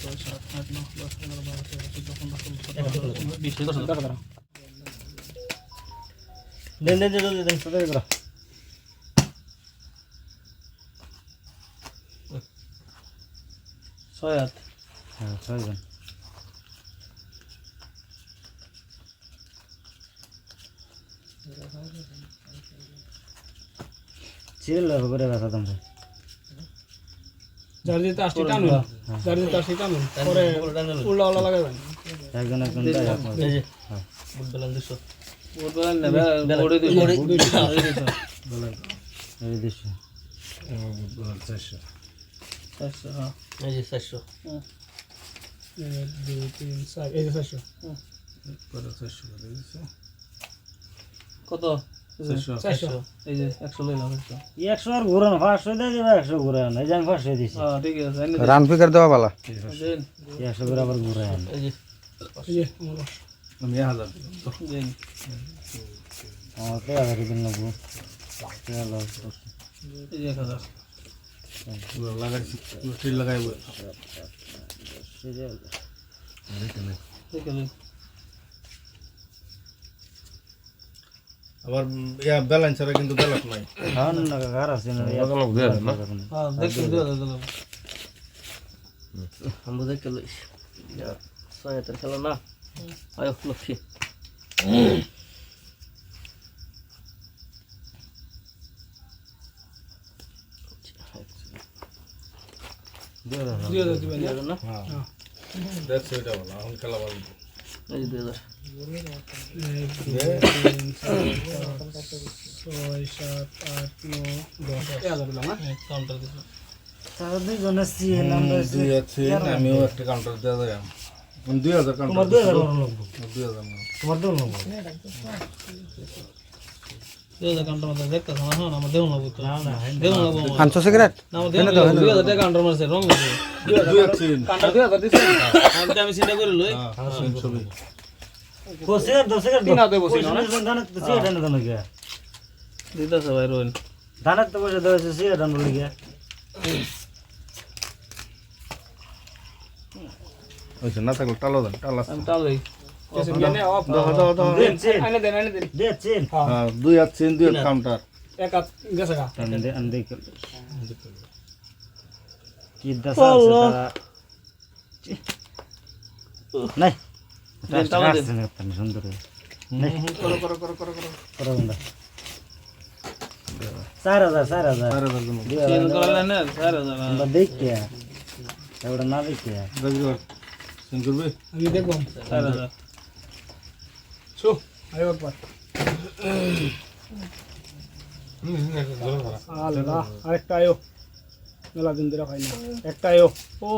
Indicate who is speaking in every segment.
Speaker 1: চিল করে ব্যথা তোমরা
Speaker 2: জার্জি তো আসছে টানুন জার্জি তো আসছে টানুন পরে উল্লা উল্লা লাগাবেন
Speaker 1: একজন একজন তাই আপনার
Speaker 3: এই যে বুট বেলান দিছো বুট বেলান নেবে বড়ি দিছো
Speaker 1: বলেন এই দিশ
Speaker 4: বল 400
Speaker 3: হ্যাঁ এই যে 400
Speaker 2: 1 2 3 4 এই যে 400
Speaker 4: করে 400 করে দিছে
Speaker 3: কত
Speaker 2: 400
Speaker 3: এই যে 100 লইলাম
Speaker 1: 100 আর ঘুরান 500 দিয়ে দিবা 100 ঘুরান এই যে আমি 500 দিছি
Speaker 3: হ্যাঁ ঠিক আছে
Speaker 5: রান ফিকার দেওয়া ভালো
Speaker 3: দেন
Speaker 1: 100 করে আবার ঘুরান
Speaker 3: এই যে
Speaker 2: এই যে আমার
Speaker 4: আমি 1000
Speaker 3: দেন
Speaker 1: আমার তো আগে দিন লাগবো চলো
Speaker 3: এই যে 1000
Speaker 4: পুরো লাগাইছি স্টিল লাগাইবো
Speaker 3: দেখেন
Speaker 4: আবার ইয়া ব্যালেন্সারে কিন্তু ব্যালেন্স নাই
Speaker 1: হ্যাঁ না কার আছে না
Speaker 3: হ্যাঁ দেখেন দিও আমরা দেখে লইস সহায়তার খেলা না আয় লক্ষ্মী
Speaker 2: দিয়ে দিবেন
Speaker 3: না
Speaker 4: হ্যাঁ দেখছ এটা বলা এখন খেলা বল
Speaker 3: এই যে 2000 কাউন্টার দিছো
Speaker 1: তাহলে দুইজন আছে নাম্বার
Speaker 4: দুই আছে আমিও একটা কাউন্টার দেওয়া যায় 2000 কাউন্টার
Speaker 1: তোমার 2000 লাগবো
Speaker 4: 2000 না
Speaker 1: তোমার 2000 লাগবো
Speaker 3: 2000 কাউন্টার মধ্যে দেখতেছ না হ্যাঁ আমার দেউন লাগবে তো
Speaker 1: না না
Speaker 3: দেউন লাগবে
Speaker 5: 500 সিগারেট
Speaker 3: না আমার দেউন 2000 টাকা কাউন্টার মারছে রং আছে
Speaker 4: 2 আছে
Speaker 2: কান্টা 2000 দিছেন
Speaker 3: আমি চিন্তা করে লই
Speaker 4: হ্যাঁ ছবি
Speaker 1: কোসের 10 টাকা
Speaker 2: তিন হাতে বসে না
Speaker 1: দানা তো সিয়া দানা দানা গিয়া
Speaker 3: দিতাছে ভাই রোন
Speaker 1: দানা তো বসে দাও সিয়া দানা বলি গিয়া
Speaker 4: ওইছে না থাকলে টালো দেন টালা
Speaker 3: আমি টালই
Speaker 2: কেসে গেনে অফ
Speaker 4: দাও
Speaker 1: দেন চেন
Speaker 2: আইনে দেন
Speaker 1: দে চেন
Speaker 4: হ্যাঁ 2 আছে 2 কাউন্টার
Speaker 2: এক হাত গেছে গা
Speaker 1: আন্দে আন্দে কি দশা আছে তারা নাই
Speaker 3: টালা দে
Speaker 1: সুন্দর
Speaker 4: করো
Speaker 1: করো বন্ধা 4000
Speaker 3: চেঞ্জ করা না 4000
Speaker 1: আমরা দেখিয়া এবারে না দেখিয়া
Speaker 4: রাজগর সিং করবে
Speaker 2: আমি দেখব
Speaker 3: 4000
Speaker 2: সো আইও একবার আল্লাহ আরেকটা আয়ো মেলা দিন ধরে খাই না একটা আয়ো ও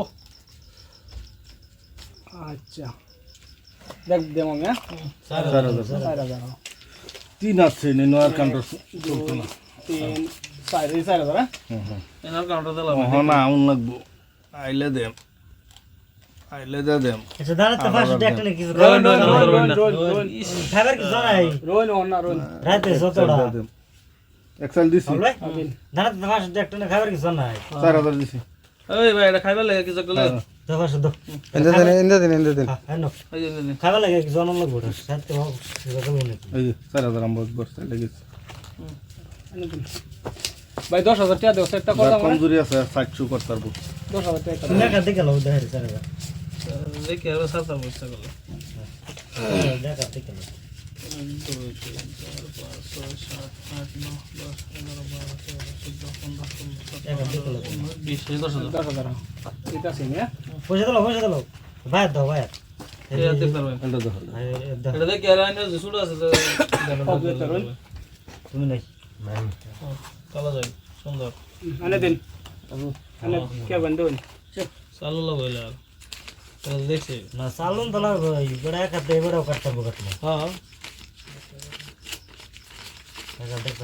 Speaker 2: আচ্ছা দেখ দেম আমি 4000
Speaker 4: 3 আছে নেনোয়ার কাউন্টার চলতো না
Speaker 2: 3 4000 হ্যাঁ
Speaker 3: এনার কাউন্টার দিলাম
Speaker 4: না আউন লাগবো আইলে দেম আইলে দেম
Speaker 1: আচ্ছা দাঁড়া তো ফার্স্ট দেখতে নাকি
Speaker 2: রোন
Speaker 1: খাবার কি জানাই
Speaker 2: রোন
Speaker 1: রাতে যতটা
Speaker 4: এক্সেল দিছি
Speaker 1: বলবে দাঁড়া তো ফার্স্ট দেখতে না খাবার কি জানাই
Speaker 4: 4000 দিছি
Speaker 3: এই ভাই এটা খাইবা লাগে কিছু করলে
Speaker 1: তো ফার্স্ট দাও
Speaker 5: ইন্দে দিন
Speaker 1: হ্যাঁ নো
Speaker 3: এই যে
Speaker 1: খাবার লাগে কি জানান লাগবে সাথে ভাব সেটা তো মনে
Speaker 4: এই যে 4000 আমরা বসতে লেগেছে
Speaker 2: ভাই 10000 টাকা দাও সেটটা করে দাও
Speaker 4: কমজোরি আছে 700 করতে পারবো
Speaker 2: 10000 টাকা
Speaker 1: তুমি একা দেখে লাও দেখারে স্যার
Speaker 3: দেখি আর সাতা বসতে গেল
Speaker 1: দেখা দেখে লাও
Speaker 2: 10000 এটা আছে না
Speaker 1: পয়সা দাও ভাই দাও ভাই
Speaker 4: এটা দেখো
Speaker 3: এটা দেখি আর আইনে যে শুরু আছে
Speaker 1: তুমি নাই
Speaker 3: কালা যায় সুন্দর
Speaker 2: আনে দিন আনে কে বন্ধ
Speaker 3: চালু লাগবে আর দেখছি
Speaker 1: না সালুন তো লাগবে বড় একা দে বড় কাটতে বকটলে
Speaker 3: হ্যাঁ
Speaker 1: একা দেখো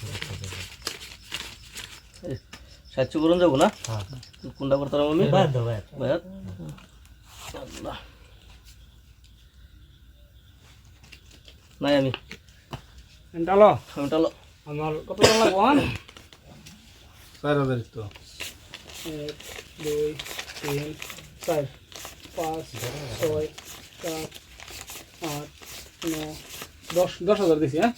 Speaker 3: 700 করুন যাবো না
Speaker 1: হ্যাঁ
Speaker 3: কোনটা করতে পারবো আমি
Speaker 1: ভাই দাও ভাই
Speaker 3: ভাই নাই আমি
Speaker 2: এন্টালো
Speaker 3: আমি টালো
Speaker 2: আমার কত টাকা লাগবে হন
Speaker 4: 4000 তো
Speaker 2: 1 2 3 4 5 6 7 8 9 10,000 দিছি হ্যাঁ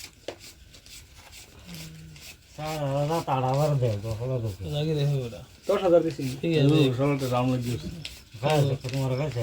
Speaker 1: সারা তাড়াবার দে দখলা দে
Speaker 6: লাগে দেখো ওটা
Speaker 2: 10,000 দিছি
Speaker 6: ঠিক আছে
Speaker 4: সরলটা দাম লাগিয়েছে
Speaker 1: ভাই তোমার কাছে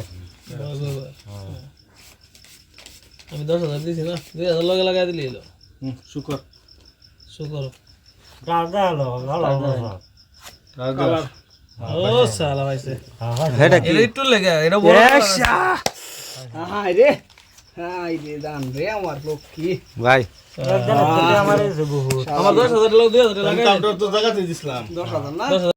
Speaker 6: আমি 10,000 দিছি না 2,000 লগে লাগাই দিলি এলো
Speaker 4: শুকর
Speaker 6: শুকর
Speaker 1: দাদা হলো ভালো
Speaker 2: কালার
Speaker 6: ও সালা ভাইছে
Speaker 5: হেটা কি
Speaker 6: এটা একটু লেগে এটা বড়
Speaker 2: হাই রে দান রে আমার লক্ষ্মী
Speaker 5: ভাই
Speaker 1: আমার এসে বহুত
Speaker 6: আমার 10,000 লাগাই
Speaker 4: 2,000 তো জায়গাতে দিছিলাম
Speaker 2: 10,000 না
Speaker 6: 10,000